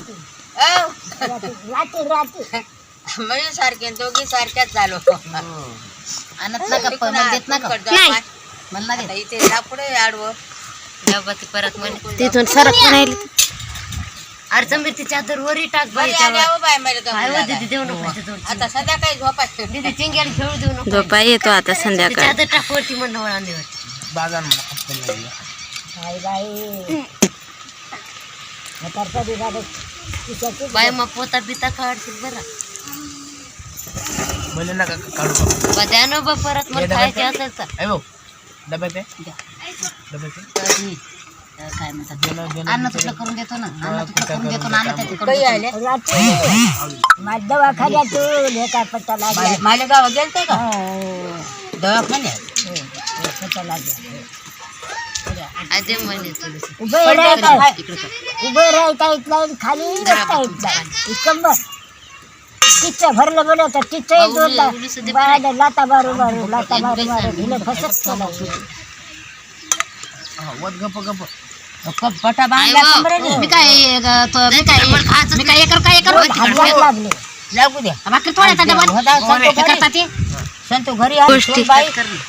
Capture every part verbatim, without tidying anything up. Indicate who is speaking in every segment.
Speaker 1: म्हणजे सारखे दोघी सारख्याच झालो.
Speaker 2: आणत नका देत नका मला
Speaker 1: आता इथे पुढे आडवं
Speaker 2: परत म्हणे
Speaker 3: तिथून सरक पण राहिली.
Speaker 2: अडचण मी ती चादर वरी टाक बाई देऊ नको
Speaker 1: आता संध्याकाळी झोपायचं.
Speaker 2: तिथे चिंग्याला खेळू देऊ नको.
Speaker 3: झोपा येतो आता संध्याकाळी.
Speaker 2: चादर टाक वरती म्हणणं वळांदीवर
Speaker 4: बाजार
Speaker 2: बाय मग पोता बिता काढशील बरं
Speaker 4: बोले नका काढू
Speaker 2: द्या ना बा परत मला खायचे असेल तर
Speaker 4: अयो डब्यात आहे डब्यात आहे
Speaker 2: काय म्हणतात अन्न तुला करून देतो ना अन्न तुला करून देतो ना अन्न त्यात
Speaker 1: काही आले
Speaker 2: दवाखान्यात
Speaker 1: मालेगाव गेलते का दवाखान्यात
Speaker 2: अजय म्हणे
Speaker 5: उभे राहता उभे राहता येत नाही खाली बसता येत नाही कंबर तिचं भरलं बोल तर तिचं बाया लाता मारू मारू लाता मारू मारू ढिले फसत केलं
Speaker 4: वत गप गप
Speaker 1: पटा बांधला कमरेने.
Speaker 2: मी काय तो मी काय मी काय एकर काय एकर
Speaker 5: हात लागले
Speaker 1: लागू द्या.
Speaker 2: बाकी थोड्या करता ते
Speaker 1: संतू घरी आली
Speaker 3: गोष्टी.
Speaker 1: बाई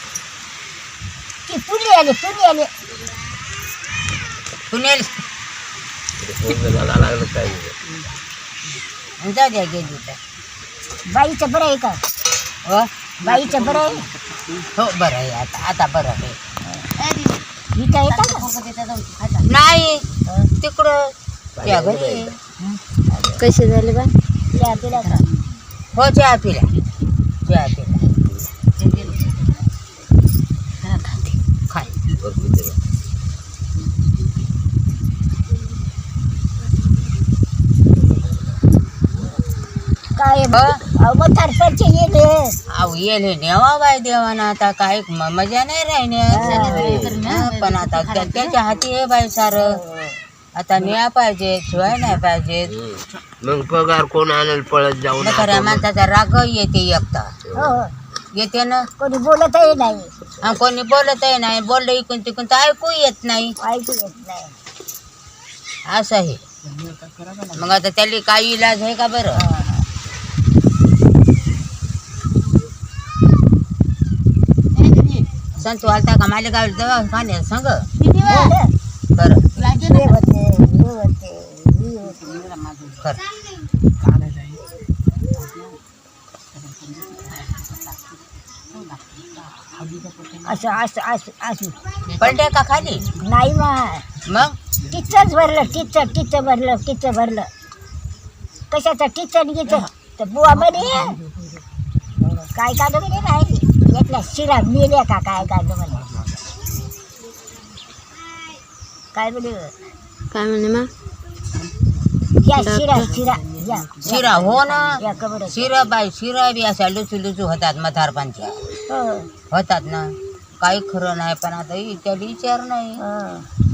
Speaker 5: ती पुली आली पुली आली
Speaker 1: पुण्याला जाऊ द्या गेली तर
Speaker 5: बाईचं बरं आहे का
Speaker 1: हो
Speaker 5: बाईचं बरं आहे
Speaker 1: हो बरं आहे आता आता बरं आहे.
Speaker 5: ही काय येतं का
Speaker 1: नाही तिकडं त्या घरी
Speaker 3: कसे झाले बा?
Speaker 5: त्या पिल्या का
Speaker 1: हो चहा पिला चहा पिला खाय
Speaker 5: काय मग सरपंच येले
Speaker 1: अहो येले नेवा बाय देवाना आता काय म- मजा नाही राहिल्या पण आता त्या- त्याच्या हाती आहे बाई सार आता न्या पाहिजे शिवाय नाही पाहिजे.
Speaker 4: मग पगार कोण आणायला पळत जाऊ
Speaker 1: खऱ्या माणसाचा राग येते एकटा
Speaker 5: हो
Speaker 1: येते ना.
Speaker 5: कोणी बोलतही नाही
Speaker 1: हा कोणी बोलतही नाही बोललं इकून तिकून तर ऐकू येत नाही
Speaker 5: ऐकू येत नाही
Speaker 1: असं आहे. मग आता त्याला काही इलाज आहे का बरं. संतू आलता का मालेगाव दवाखान्यात सांग खरं
Speaker 5: हे होते हे होते हे होते
Speaker 1: खरं
Speaker 5: असं असं असं असं
Speaker 1: पलटे का खाली
Speaker 5: नाही मा
Speaker 1: मग
Speaker 5: टिचच भरलं टिच टिच भरलं टिच भरलं कशाचं टिचन घ्यायचं तर बुवा म्हणे काय काढलं म्हणे नाही यातल्या शिरा मेल्या का काय काढलं म्हणे काय म्हणे
Speaker 3: काय म्हणे मग?
Speaker 5: या शिरा शिरा या
Speaker 1: शिरा हो ना
Speaker 5: या कबर
Speaker 1: शिरा बाई शिरा बी अशा लुचू लुचू होतात म्हातारपणच्या
Speaker 5: हो
Speaker 1: होतात ना काही खरं नाही पण आता त्याला विचार नाही
Speaker 5: हो